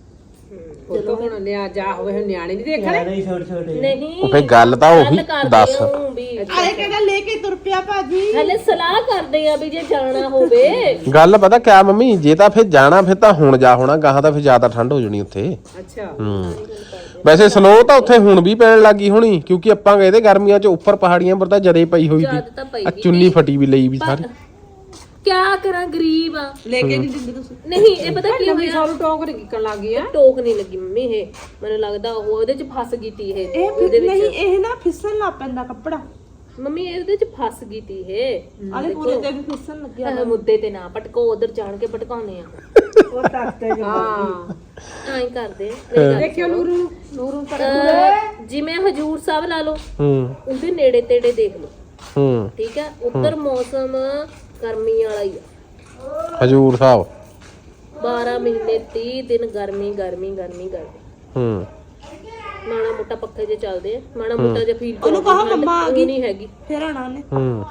ਉਹ ਤਾਂ ਹੁਣ ਨਿਆ ਜਾ ਹੋਵੇ ਹੁਣ ਨਿਆਣੇ ਨਹੀਂ ਦੇਖਣੇ ਨਹੀਂ ਛੋਟੇ ਛੋਟੇ ਨਹੀਂ ਉਹ ਫੇ ਗੱਲ ਤਾਂ ਉਹੀ ਗੱਲ ਕਰਦੇ ਦੱਸ ਆ ਊਂ ਵੀ ਆਏ ਕਹਿੰਦਾ ਲੈ ਕੇ ਤੁਰ ਪਿਆ ਭਾਜੀ ਹਲੇ ਸਲਾਹ ਕਰਦੇ ਆ ਵੀ ਜੇ ਜਾਣਾ ਹੋਵੇ ਗੱਲ ਪਤਾ ਕਿਆ ਮੰਮੀ ਜੇ ਤਾਂ ਫਿਰ ਜਾਣਾ ਫਿਰ ਤਾਂ ਹੁਣ ਜਾ ਹੋਣਾ ਗਾਹਾਂ ਤਾਂ ਫਿਰ ਜ਼ਿਆਦਾ ਠੰਡ ਹੋ ਜਾਣੀ ਉੱਥੇ ਅੱਛਾ ਹੂੰ ਵੈਸੇ ਸਨੋ ਤਾਂ ਉੱਥੇ ਹੁਣ ਵੀ ਪੈਣ ਲੱਗੀ ਹੋਣੀ ਕਿਉਂਕਿ ਆਪਾਂ ਗਏ ਤੇ ਗਰਮੀਆਂ 'ਚ ਉੱਪਰ ਪਹਾੜੀਆਂ ਪਰ ਤਾਂ ਜਦੇ ਪਈ ਹੋਈ ਜਦ ਤਾਂ ਪਈ ਸੀ ਆ ਚੁੰਨੀ ਫਟੀ ਵੀ ਲਈ ਵੀ ਸਾਰੀ ਕਿਆ ਕਰਾਂ ਗਰੀਬ ਆ ਲੈ ਕੇ ਨਹੀਂ ਦਿੰਦੇ ਤੁਸੀਂ ਨਹੀਂ ਇਹ ਪਤਾ ਕੀ ਨਵੀਂ ਹੋਇਆ ਸਾਲ ਟੋਕ ਨਿਕਲਣ ਲੱਗ ਗਈ ਆ ਟੋਕ ਨਹੀਂ ਲੱਗੀ ਮੰਮੀ ਇਹ ਮੈਨੂੰ ਲੱਗਦਾ ਉਹ ਉਹਦੇ ਚ ਫਸ ਗਈ ਤੀ ਇਹ ਇਹ ਫਿਰ ਨਹੀਂ ਇਹ ਨਾ ਫਿਸਣ ਲੱਗ ਪੈਂਦਾ ਕੱਪੜਾ ਮੰਮੀ ਇਹਦੇ ਚ ਫਸ ਗਈ ਤੀ ਇਹ ਆਲੇ ਪੂਰੇ ਤੇ ਵੀ ਫਿਸਣ ਲੱਗਿਆ ਆਹ ਮੁੱਦੇ ਤੇ ਨਾ ਪਟਕੋ ਉਧਰ ਜਾਣ ਕੇ ਪਟਕਾਉਨੇ ਆ ਉਹ ਤਖਤੇ ਜੋ ਹਾਂ ਐਂ ਕਰਦੇ ਆ ਮੇਰੀ ਗੱਲ ਦੇਖਿਓ ਨੂਰੂ ਨੂੰ ਨੂਰੂ ਨੂੰ ਅਹ ਜਿਵੇਂ ਹਜੂਰ ਸਾਹਿਬ ਲਾ ਲਓ ਹੂੰ ਉਹਦੇ ਨੇੜੇ ਤੇੜੇ ਦੇਖ ਲਓ ਹੂੰ ਠੀਕ ਹੈ ਉੱਧਰ ਮੌਸਮ ਗਰਮੀ ਵਾਲਾ ਹੀ ਆ ਹਜੂਰ ਸਾਹਿਬ ਬਾਰਾਂ ਮਹੀਨੇ ਤੀਹ ਦਿਨ ਗਰਮੀ ਗਰਮੀ ਗਰਮੀ ਗਰਮੀ ਹੂੰ ਮਾੜਾ ਮੋਟਾ ਪੱਖੇ ਜੇ ਚੱਲਦੇ ਆ ਮਾੜਾ ਮੋਟਾ ਜਿਹਾ ਫੀਲ ਉਹਨੂੰ ਕਹੋ ਮੰਮਾ ਆ ਗਈ ਨਹੀਂ ਹੈਗੀ ਫਿਰ ਆਣਾ ਉਹਨੇ ਹੂੰ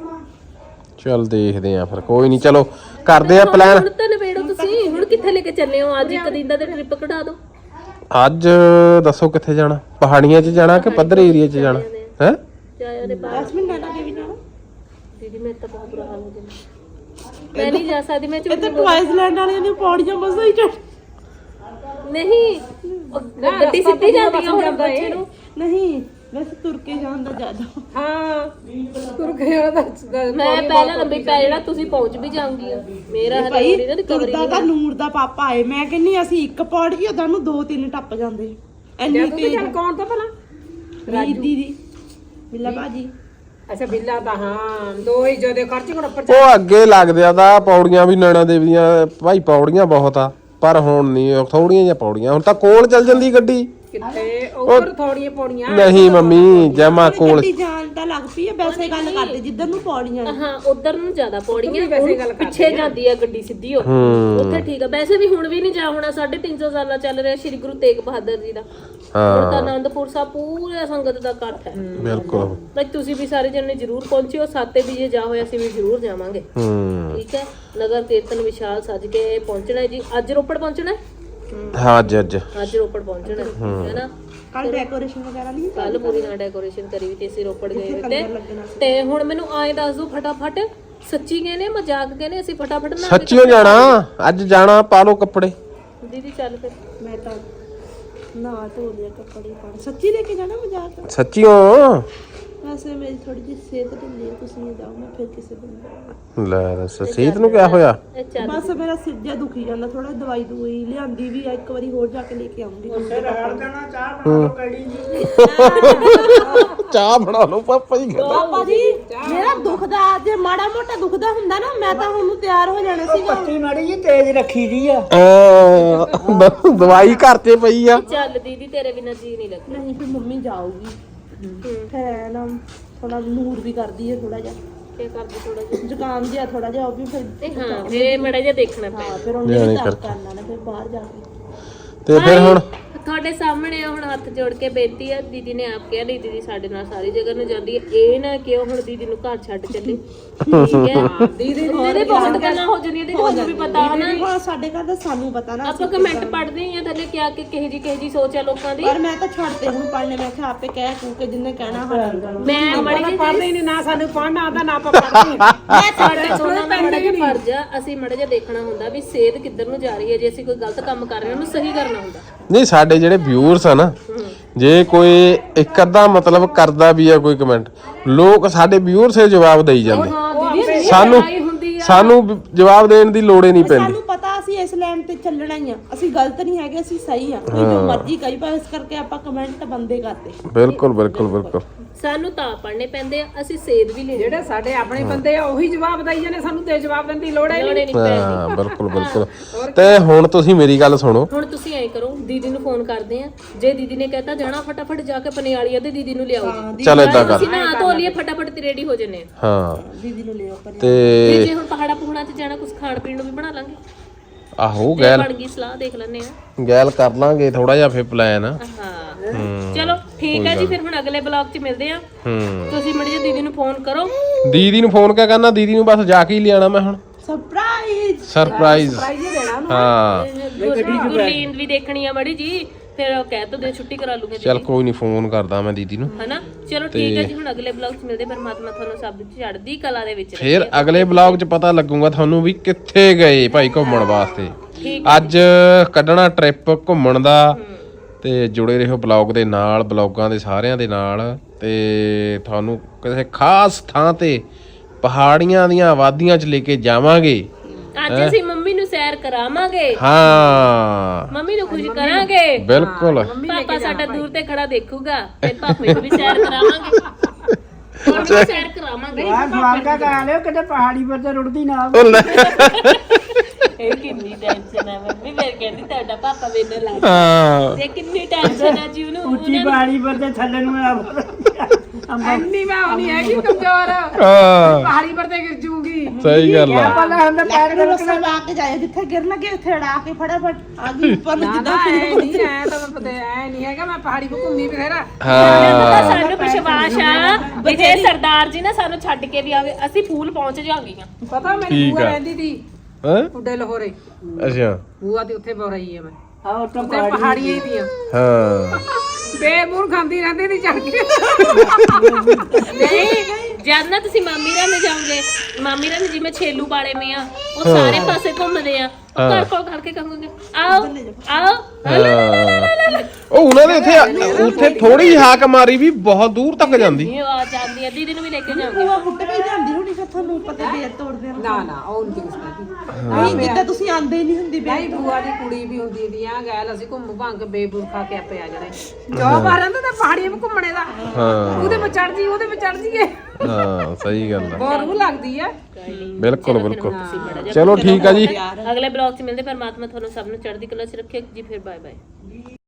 ਚੱਲ ਦੇਖਦੇ ਆ ਫਿਰ ਕੋਈ ਨਹੀਂ ਚਲੋ ਕਰਦੇ ਆ ਪਲਾਨ ਹੁਣ ਤਾਂ ਨਵੇੜੋ ਤੁਸੀਂ ਹੁਣ ਕਿੱਥੇ ਲੈ ਕੇ ਚੱਲੇ ਹੋ ਅੱਜ ਇੱਕ ਦਿਨ ਦਾ ਤੇ ਟ੍ਰਿਪ ਕਢਾ ਦਿਓ ਅੱਜ ਦੱਸੋ ਕਿੱਥੇ ਜਾਣਾ ਪਹਾੜੀਆਂ 'ਚ ਜਾਣਾ ਕਿ ਪੱਧਰ ਏਰੀਆ 'ਚ ਜਾਣਾ ਹੈ ਜਾਇਆ ਦੇ ਬਾਹਰ ਦਸ ਮਿੰਟ ਨਾਨਾ ਦੇ ਵੀ ਜਾਣਾ ਦੀਦੀ ਮੇਰੇ ਤਾਂ ਬਹੁਤ ਬੁਰਾ ਹਾਲ ਹੋ ਜਾਂਦਾ ਮੈਂ ਨਹੀਂ ਜਾ ਸਕਦੀ ਮੈਂ ਝੂਠ ਇਹ ਤਾਂ ਟਵਾਈਸ ਲੈਂਡ ਵਾਲਿਆਂ ਨੇ ਪੌੜੀਆਂ ਮਸਾ ਹੀ ਚੜ ਨਹੀਂ ਉਹ ਗੱਡੀ ਸਿੱਧੀ ਜਾਂਦੀ ਆ ਹੁਣ ਬੱਚੇ ਨੂੰ ਨਹੀਂ ਵੈਸੇ ਤੁਰ ਕੇ ਜਾਣ ਦਾ ਜ਼ਿਆਦਾ ਹਾਂ ਤੁਰ ਗਿਆ ਦਾ ਮੈਂ ਪਹਿਲਾਂ ਲੰਬੀ ਪੈ ਜਾਣਾ, ਤੁਸੀਂ ਪਹੁੰਚ ਵੀ ਜਾਓਗੀ। ਮੇਰਾ ਹਲੇ ਭਾਈ ਹੋਣੀ ਨਾ ਰਿਕਵਰੀ ਤੁਰਦਾ ਤਾਂ ਨੂਰ ਦਾ ਪਾਪਾ ਆਏ, ਮੈਂ ਕਹਿੰਨੀ ਅਸੀਂ ਇੱਕ ਪੌੜੀ ਉਹਦਾ ਨੂੰ ਦੋ ਤਿੰਨ ਟੱਪ ਜਾਂਦੇ ਐਨੀ ਤੇਜ਼। ਕੌਣ ਤਾਂ ਭਲਾ ਰਾਜੀ ਦੀਦੀ ਬਿੱਲਾ ਭਾਜੀ। ਅੱਛਾ ਬਿੱਲਾ ਤਾਂ ਹਾਂ ਦੋ ਹੀ ਜਦੋਂ ਖਰਚ ਕੋਲ ਉੱਪਰ ਉਹ ਅੱਗੇ ਲੱਗਦੇ ਆ ਤਾਂ ਪੌੜੀਆਂ ਵੀ ਨੈਣਾ ਦੇਵੀ ਦੀਆਂ ਭਾਈ, ਪੌੜੀਆਂ ਬਹੁਤ ਆ ਪਰ ਹੁਣ ਨਹੀਂ, ਥੋੜੀਆਂ ਜਿਹੀਆਂ ਪੌੜੀਆਂ, ਹੁਣ ਤਾਂ ਕੋਲ ਚੱਲ ਜਾਂਦੀ ਗੱਡੀ। ਕਿੱਥੇ ਉੱਪਰ ਥੋੜੀਆਂ ਪੌੜੀਆਂ ਨਹੀਂ ਮੰਮੀ ਜਮਾ ਕੋਲ ਗੱਡੀ ਜਾਣ ਤਾਂ ਲੱਗ ਪਈ ਆ, ਵੈਸੇ ਗੱਲ ਕਰਦੇ ਜਿੱਧਰ ਨੂੰ ਪੌੜੀਆਂ ਨੇ। ਹਾਂ ਉਧਰ ਨੂੰ ਜ਼ਿਆਦਾ ਪੌੜੀਆਂ, ਵੈਸੇ ਗੱਲ ਉਹ ਪਿੱਛੇ ਜਾਂਦੀ ਆ ਗੱਡੀ ਸਿੱਧੀ ਉਹ ਉੱਥੇ ਠੀਕ ਆ। ਵੈਸੇ ਵੀ ਹੁਣ ਵੀ ਨਹੀਂ ਜਾ ਹੋਣਾ, ਸਾਢੇ ਤਿੰਨ ਸੌ ਸਾਲਾਂ ਚੱਲ ਰਿਹਾ ਸ਼੍ਰੀ ਗੁਰੂ ਤੇਗ ਬਹਾਦਰ ਜੀ ਦਾ। ਹੁਣ ਤਾਂ ਆਨੰਦਪੁਰ ਸਾਹਿਬ ਪੂਰੇ ਸੰਗਤ ਦਾ ਇਕੱਠ ਹੈ। ਬਿਲਕੁਲ ਬਈ ਤੁਸੀਂ ਵੀ ਸਾਰੇ ਜਣੇ ਜ਼ਰੂਰ ਪਹੁੰਚਿਓ, ਸਾਤੇ ਵੀ ਜੇ ਜਾ ਹੋਇਆ ਅਸੀਂ ਵੀ ਜ਼ਰੂਰ ਜਾਵਾਂਗੇ। ਹੂੰ ਠੀਕ ਹੈ, ਨਗਰ ਕੀਰਤਨ ਵਿਸ਼ਾਲ ਸੱਜ ਕੇ ਪਹੁੰਚਣਾ ਹੈ ਜੀ। ਅੱਜ ਰੋਪੜ ਪਹੁੰਚਣਾ ਹੈ, ਹਾਂ ਅੱਜ ਅੱਜ ਅੱਜ ਰੋਪੜ ਪਹੁੰਚਣਾ ਹੈ ਹੈ ਨਾ। ਕੱਲ ਡੈਕੋਰੇਸ਼ਨ ਵਗੈਰਾ ਨਹੀਂ ਕੱਲ ਪੂਰੀ ਨਾਲ ਡੈਕੋਰੇਸ਼ਨ ਕਰੀ ਵੀ ਤੇ ਅਸੀਂ ਰੋਪੜ ਗਏ ਹੋਏ ਤੇ ਤੇ ਹੁਣ ਮੈਨੂੰ ਆਏ ਦੱਸ ਦੋ ਫਟਾਫਟ, ਸੱਚੀ ਕਹਿੰਦੇ ਮਜ਼ਾਕ ਕਹਿੰਦੇ ਅਸੀਂ ਫਟਾਫਟ ਨਾ ਸੱਚੀਓ ਜਾਣਾ, ਅੱਜ ਜਾਣਾ, ਪਾ ਲਓ ਕੱਪੜੇ। ਦੀਦੀ ਚੱਲ ਫਿਰ। ਮੈਂ ਤਾਂ ਨਾ ਧੋ ਲਿਆ ਕੱਪੜੇ ਪਾ, ਸੱਚੀ ਲੈ ਕੇ ਜਾਣਾ ਮਜ਼ਾਕ। ਸੱਚੀਓ ਵੈਸੇ ਮੇਰੀ ਥੋੜੀ ਜਿਹੀ ਸਿਹਤ ਢਿੱਲੀ ਹੈ, ਤੁਸੀਂ ਇਹ ਜਾਓ, ਮੈਂ ਫਿਰ ਕਿਸੇ ਦਿਨ ਜਾਊਂਗੀ। ਲੈ ਦੱਸ ਸੀਤ ਨੂੰ ਕਿਆ ਹੋਇਆ? ਇਹ ਚੱਲ ਬਸ ਮੇਰਾ ਸਿਰ ਜਿਹਾ ਦੁਖੀ ਜਾਂਦਾ ਥੋੜਾ, ਦਵਾਈ ਦੂਈ ਲਿਆਂਦੀ ਵੀ ਆ, ਇੱਕ ਵਾਰੀ ਹੋਰ ਜਾ ਕੇ ਲੈ ਕੇ ਆਉਂਗੀ। ਰਗੜ ਦੇਣਾ, ਚਾਹ ਬਣਾ ਲਓ ਕੜੀ ਜੀ। ਚਾਹ ਬਣਾ ਲਓ ਪਾਪਾ ਜੀ। ਪਾਪਾ ਜੀ ਮੇਰਾ ਦੁਖਦਾ, ਜੇ ਮਾੜਾ ਮੋਟਾ ਦੁਖਦਾ ਹੁੰਦਾ ਨਾ ਮੈਂ ਤਾਂ ਹੁਣ ਤਿਆਰ ਹੋ ਜਾਣਾ ਸੀਗਾ। ਪੱਤੀ ਮਾੜੀ ਜੀ ਤੇਜ਼ ਰੱਖੀ ਦੀ ਆ। ਅਹ, ਦਵਾਈ ਘਰ ਤੇ ਪਈ ਆ। ਚੱਲ ਦੀਦੀ ਤੇਰੇ ਬਿਨਾਂ ਜੀ ਨਹੀਂ ਲੱਗਦਾ। ਨਹੀਂ ਫਿਰ ਮੰਮੀ ਜਾਊਗੀ, ਫਿਰ ਨਾ ਥੋੜਾ ਨੂਰ ਵੀ ਕਰਦੀ ਹੈ ਥੋੜਾ ਜਿਹਾ, ਕੀ ਕਰਦੀ ਥੋੜਾ ਜਿਹਾ ਜ਼ੁਕਾਮ ਜਿਹਾ ਥੋੜਾ ਜਿਹਾ ਉਹ ਵੀ ਫਿਰ। ਤੇ ਹਾਂ ਫੇਰ ਮੜਾ ਜਿਹਾ ਦੇਖਣਾ ਹਾਂ ਪੈਣਾ। ਫਿਰ ਉਹਨੇ ਵੀ ਤਾਂ ਕਰਨਾ ਨਾ ਫਿਰ ਬਾਹਰ ਜਾ ਕੇ। ਤੇ ਫਿਰ ਹੁਣ ਤੁਹਾਡੇ ਸਾਹਮਣੇ ਆ, ਹੁਣ ਹੱਥ ਜੋੜ ਕੇ ਬੇਨਤੀ ਆ, ਦੀਦੀ ਨੇ ਆਪ ਕਿਹਾ ਨਹੀਂ ਦੀਦੀ ਸਾਡੇ ਨਾਲ ਸਾਰੀ ਜਗ੍ਹਾ ਨੂੰ ਜਾਂਦੀ ਹੈ, ਇਹ ਨਾ ਕਿ ਉਹ ਹੁਣ ਦੀਦੀ ਨੂੰ ਘਰ ਛੱਡ ਚੱਲੇ। ਠੀਕ ਹੈ ਦੀਦੀ ਦੀ ਬਹੁਤ ਗੱਲਾਂ ਹੋ ਜਾਂਦੀਆਂ ਤੇ ਤੁਹਾਨੂੰ ਵੀ ਪਤਾ ਹੈ ਨਾ। ਹੁਣ ਸਾਡੇ ਘਰ ਦਾ ਸਾਨੂੰ ਪਤਾ ਨਾ, ਆਪਾਂ ਕਮੈਂਟ ਪੜ੍ਹਦੇ ਹੀ ਆ ਥੱਲੇ ਕਿਹਾ ਕਿ ਕਿਹੇ ਜੀ ਕਿਹੇ ਜੀ ਸੋਚ ਆ ਲੋਕਾਂ ਦੀ। ਪਰ ਮੈਂ ਤਾਂ ਛੱਡਦੇ ਹੁਣ ਪੜ੍ਹਨੇ, ਮੈਂ ਕਿਹਾ ਆਪੇ ਕਹਿ ਕੂ ਕੇ ਜਿੰਨੇ ਕਹਿਣਾ ਹਾਂ। ਮੈਂ ਮੜੀ ਜੀ ਪੜ੍ਹਦੇ ਹੀ ਨਹੀਂ ਨਾ, ਸਾਨੂੰ ਪੜ੍ਹਨਾ ਆਉਂਦਾ ਨਾ ਆਪਾਂ ਪੜ੍ਹਦੇ ਹਾਂ। ਮੈਂ ਸਾਡਾ ਦੋਨਾਂ ਦਾ ਮੜਾ ਜਿਹਾ ਫਰਜ਼ ਆ, ਅਸੀਂ ਮੜਾ ਜਿਹਾ ਦੇਖਣਾ ਹੁੰਦਾ ਵੀ ਸਿਹਤ ਕਿੱਧਰ ਨੂੰ ਜਾ ਰਹੀ ਹੈ। ਜੇ ਅਸੀਂ ਕੋਈ ਗਲਤ ਕੰਮ ਕਰ ਰਹੇ ਹਾਂ ਉਹਨੂੰ ਸਹੀ ਕਰਨਾ ਹੁੰਦਾ। ਨਹੀਂ ਸਾਡੇ ਜਿਹੜੇ ਵਿਊਅਰਸ ਆ ਨਾ, ਜੇ ਕੋਈ ਇੱਕ ਅੱਧਾ ਮਤਲਬ ਕਰਦਾ ਵੀ ਆ ਕੋਈ ਕਮੈਂਟ, ਲੋਕ ਸਾਡੇ ਵਿਊਅਰਸ ਇਹ ਜਵਾਬ ਦੇਈ ਜਾਂਦੇ। ਹਾਂ ਦੀਦੀ ਸਾਨੂੰ ਸਾਨੂੰ ਵੀ ਜਵਾਬ ਦੇਣ ਦੀ ਲੋੜ ਹੀ ਨਹੀਂ ਪੈਂਦੀ। ਸਾਨੂੰ ਪਤਾ ਅਸੀਂ ਇਸ ਲਾਈਨ ਤੇ ਚੱਲਣਾ ਹੀ ਆ, ਅਸੀਂ ਗਲਤ ਨਹੀਂ ਹੈਗੇ, ਅਸੀਂ ਸਹੀ ਆ। ਕੋਈ ਜੋ ਮਰਜ਼ੀ ਕਹੀ ਪਾ, ਇਸ ਕਰਕੇ ਆਪਾਂ ਕਮੈਂਟ ਬੰਦੇ ਕਰਦੇ। ਬਿਲਕੁਲ ਬਿਲਕੁਲ ਬਿਲਕੁਲ ਸਾਨੂੰ ਤਾਂ ਪੜ੍ਹਨੇ ਪੈਂਦੇ ਆ, ਅਸੀਂ ਸੇਧ ਵੀ ਲੈਣੀ ਜਿਹੜੇ ਸਾਡੇ ਆਪਣੇ ਬੰਦੇ ਆ ਉਹੀ ਜਵਾਬ ਦੇਈ ਜਾਂਦੇ, ਸਾਨੂੰ ਤੇ ਜਵਾਬ ਦੇਣ ਦੀ ਲੋੜ ਹੈ ਲੋੜ ਹੀ ਨਹੀਂ ਪੈਂਦੀ। ਹਾਂ ਬਿਲਕੁਲ ਬਿਲਕੁਲ। ਤੇ ਹੁਣ ਤੁਸੀਂ ਮੇਰੀ ਗੱਲ ਸੁਣੋ, ਹੁਣ ਤੁਸੀਂ ਐਂ ਕਰੋ, ਦੀਦੀ ਨੂੰ ਫੋਨ ਕਰਦੇ ਆ, ਜੇ ਦੀਦੀ ਨੇ ਕਹਿਤਾ ਜਾਣਾ ਫਟਾਫਟ ਜਾ ਕੇ ਪਨਿਆਲੀਆ ਤੇ ਦੀਦੀ ਨੂੰ ਲਿਆਓ ਜੀ। ਚਲ ਏਦਾਂ ਕਰ। ਅਸੀਂ ਨਾ ਧੋ ਲਈਏ ਫਟਾਫਟ ਤੇ ਰੈਡੀ ਹੋ ਜੰਨੇ ਆ। ਹਾਂ ਦੀਦੀ ਨੂੰ ਲਿਓ ਪਰ ਤੇ ਤੇ ਜੇ ਹੁਣ ਪਹਾੜਾ ਪਹੁਣਾ ਚ ਜਾਣਾ, ਕੁਝ ਖਾਣ ਪੀਣ ਨੂੰ ਵੀ ਬਣਾ ਲਾਂਗੇ। ਆਹੋ ਜੇ ਗੈਲ ਬਣ ਗਈ ਸਲਾਹ ਦੇਖ ਲੈਣੇ ਆ। ਗੈਲ ਕਰ ਲਾਂਗੇ ਥੋੜਾ ਜਿਹਾ ਫਿਰ ਪਲਾਨ। ਹਾਂ ਚਲੋ ਠੀਕ ਹੈ ਜੀ, ਫਿਰ ਹੁਣ ਅਗਲੇ ਬਲੌਗ 'ਚ ਮਿਲਦੇ ਆ। ਹੂੰ ਤੁਸੀਂ ਮੜੀ ਜੀ ਦੀਦੀ ਨੂੰ ਫੋਨ ਕਰੋ। ਦੀਦੀ ਨੂੰ ਫੋਨ ਕਿਆ ਕਰਨਾ, ਦੀਦੀ ਨੂੰ ਬਸ ਜਾ ਕੇ ਹੀ ਲਿਆਣਾ ਮੈਂ ਹੁਣ। ਸਰਪ੍ਰਾਈਜ਼ ਸਰਪ੍ਰਾਈਜ਼ ਦੇਣਾ ਹਾਂ ਗੁਰਲੀਨ ਵੀ ਦੇਖਣੀ ਆ ਮੜੀ ਜੀ, ਫਿਰ ਉਹ ਕਹਿ ਤੋ ਦੇ ਛੁੱਟੀ ਕਰਾ ਲੂਗੇ ਚਲ ਕੋਈ ਨਹੀਂ, ਫੋਨ ਕਰਦਾ ਮੈਂ ਦੀਦੀ ਨੂੰ। ਹਨਾ। ਚਲੋ ਠੀਕ ਹੈ ਜੀ, ਹੁਣ ਅਗਲੇ ਬਲੌਗ 'ਚ ਮਿਲਦੇ। ਪਰਮਾਤਮਾ ਤੁਹਾਨੂੰ ਸਭ ਦੀ ਚੜ੍ਹਦੀ ਕਲਾ ਦੇ ਵਿੱਚ ਰੱਖੇ। ਫਿਰ ਅਗਲੇ ਬਲੌਗ 'ਚ ਪਤਾ ਲੱਗੂਗਾ ਤੁਹਾਨੂੰ ਵੀ ਕਿੱਥੇ ਗਏ ਭਾਈ ਘੁੰਮਣ ਵਾਸਤੇ। ਅੱਜ ਕੱਢਣਾ ਟ੍ਰਿਪ ਘੁੰਮਣ ਦਾ, ਤੇ ਜੁੜੇ ਰਹੋ ਬਲੌਗ ਦੇ ਨਾਲ, ਬਲੌਗਾਂ ਦੇ ਸਾਰਿਆਂ ਦੇ ਨਾਲ। ਤੇ ਤੁਹਾਨੂੰ ਕਿਸੇ ਖਾਸ ਥਾਂ ਤੇ ਪਹਾੜੀਆਂ ਦੀਆਂ ਵਾਦੀਆਂ 'ਚ ਲੈ ਕੇ ਜਾਵਾਂਗੇ। ਅੱਜ ਅਸੀਂ ਮੰਮੀ ਨੂੰ ਸੈਰ ਕਰਾਵਾਂਗੇ, ਹਾਂ ਮੰਮੀ ਨੂੰ ਖੁਸ਼ ਕਰਾਂਗੇ। ਬਿਲਕੁਲ ਪਾਪਾ ਸਾਡਾ ਦੂਰ ਤੇ ਖੜਾ ਦੇਖੂਗਾ, ਤੇ ਪਾਪੇ ਨੂੰ ਵੀ ਸੈਰ ਕਰਾਵਾਂਗੇ। ਹੁਣ ਵੀ ਸੈਰ ਕਰਾਵਾਂਗੇ। ਆ ਸਵਾਰਗਾ ਕਰਾ ਲਿਓ, ਕਿਤੇ ਪਹਾੜੀ ਪਰ ਤੇ ਰੁੜਦੀ ਨਾ ਉਹ ਲੈ। ਇਹ ਕਿੰਨੀ ਟੈਨਸ਼ਨ ਹੈ ਮੰਮੀ, ਫਿਰ ਕਹਿੰਦੀ ਤੁਹਾਡਾ ਪਾਪਾ ਮੈਨੂੰ ਲੱਗ ਹਾਂ ਤੇ ਕਿੰਨੀ ਟੈਨਸ਼ਨ ਹੈ ਜੀ ਉਹਨੂੰ। ਉੱਚੀ ਪਹਾੜੀ ਪਰ ਤੇ ਥੱਲੇ ਨੂੰ ਇੰਨੀ ਮੈਂ ਹੋਣੀ ਹੈਗੀ ਕਮਜ਼ੋਰ, ਹਾਂ ਪਹਾੜੀ ਪਰ ਤੇ ਗਿਰ ਜੂਗੀ। ਸਹੀ ਗੱਲ ਆ। ਪਹਿਲਾਂ ਹੁੰਦਾ ਪੈਰ ਨੂੰ ਰਸਾ ਲਾ ਕੇ ਜਾਏ, ਜਿੱਥੇ ਗਿਰ ਲੱਗੇ ਉੱਥੇ ਅੜਾ ਕੇ ਫਟਾਫਟ ਆ ਗਈ ਉੱਪਰ ਨੂੰ। ਜਿੱਦਾਂ ਐ ਨਹੀਂ ਐ ਤਾਂ ਮੈਂ ਪਤਾ ਐ ਨਹੀਂ ਹੈਗਾ, ਮੈਂ ਪਹਾੜੀ ਕੋ ਘੁੰਮੀ ਬਥੇਰਾ। ਹਾਂ ਸਾਨੂੰ ਵਿਸ਼ਵਾਸ ਆ ਵੀ ਜੇ ਸਰਦਾਰ ਜੀ ਨੇ ਸਾਨੂੰ ਛੱਡ ਕੇ ਵੀ ਆਵੇ, ਅਸੀਂ ਫੂਲ ਪਹੁੰਚ ਜਾਵਾਂਗੀਆਂ। ਪਤਾ ਮੇਰੀ ਠੀਕ ਬੂਆ ਆ। ਰਹਿੰਦੀ ਸੀ ਹੈਂ? ਉੱਡੇ ਲਾਹੌਰੇ, ਅੱਛਾ ਬੂਆ ਤੇ ਉੱਥੇ ਬੋ ਰਹੀ ਆ ਮੈਂ, ਆਹ ਤਾਂ ਉੱਥੇ ਪਹਾੜੀਆਂ ਹੀ ਦੀਆਂ ਹਾਂ ਬੇਮੂਰ ਖਾਂਦੀ ਰਹਿੰਦੀ ਸੀ ਚੜ ਕੇ। ਨਹੀਂ ਜਦ ਨਾ ਤੁਸੀਂ ਮਾਮੀ ਰਾਂ ਜਾਓਗੇ, ਮਾਮੀ ਰਾਂ ਜਿਵੇਂ ਛੇਲੂ ਵਾਲੇ ਮੇ ਆ, ਉਹ ਸਾਰੇ ਪਾਸੇ ਘੁੰਮਦੇ ਆ। ਉਹ ਘਰ ਕੋਲ ਕਰਕੇ ਕਹੋਗੇ ਆਓ ਆਓ, ਉਹ ਉਹਨਾਂ ਦੇ ਇੱਥੇ ਉੱਥੇ ਥੋੜੀ ਹਾਕ ਮਾਰੀ ਵੀ ਬਹੁਤ ਦੂਰ ਤੱਕ ਜਾਂਦੀ। ਇਹ ਆਵਾਜ਼ ਆਉਂਦੀ ਹੈ, ਦੀਦੀ ਨੂੰ ਵੀ ਲੈ ਕੇ ਜਾਂਦੀ ਭੂਆ ਫੁੱਟ ਕੇ ਹੀ ਜਾਂਦੀ ਹੋਣੀ ਫਿਰ ਤੁਹਾਨੂੰ ਪਤਾ ਬੇਰ ਤੋੜਦੇ ਆ ਨਾ ਨਾ ਉਹ ਨਹੀਂ ਕਿਸਦੀ ਨਹੀਂ ਜਿੱਦਾਂ ਤੁਸੀਂ ਆਂਦੇ ਹੀ ਨਹੀਂ ਹੁੰਦੀ ਨਹੀਂ ਬੂਆ ਦੀ ਕੁੜੀ ਵੀ ਹੁੰਦੀ ਦੀਆਂ ਗੈਲ ਅਸੀਂ ਘੁੰਮ ਭੰਗ ਬੇਬੂਰ ਖਾ ਕੇ ਆਪੇ ਆ ਜਾਣੇ ਜੋ ਬਾਹਰਾਂ ਦਾ ਤਾਂ ਪਹਾੜੀਆਂ 'ਤੇ ਘੁੰਮਣੇ ਦਾ ਹਾਂ ਉਹਦੇ 'ਤੇ ਚੜ ਜੀ ਉਹਦੇ 'ਤੇ ਚੜ ਜੀਏ ਹਾਂ ਸਹੀ ਗੱਲ ਆ, ਬਹੁਤ ਰੂਹ ਲੱਗਦੀ ਆ। ਬਿਲਕੁਲ ਬਿਲਕੁਲ। ਚਲੋ ਠੀਕ ਆ ਜੀ। ਅਗਲੇ ਬਲੌਗ 'ਚ ਮਿਲਦੇ, ਪਰਮਾਤਮਾ ਤੁਹਾਨੂੰ ਸਭ ਨੂੰ ਚੜ੍ਹਦੀ ਕਲਾ 'ਚ ਰੱਖੇ ਜੀ। ਫਿਰ ਬਾਏ ਬਾਏ।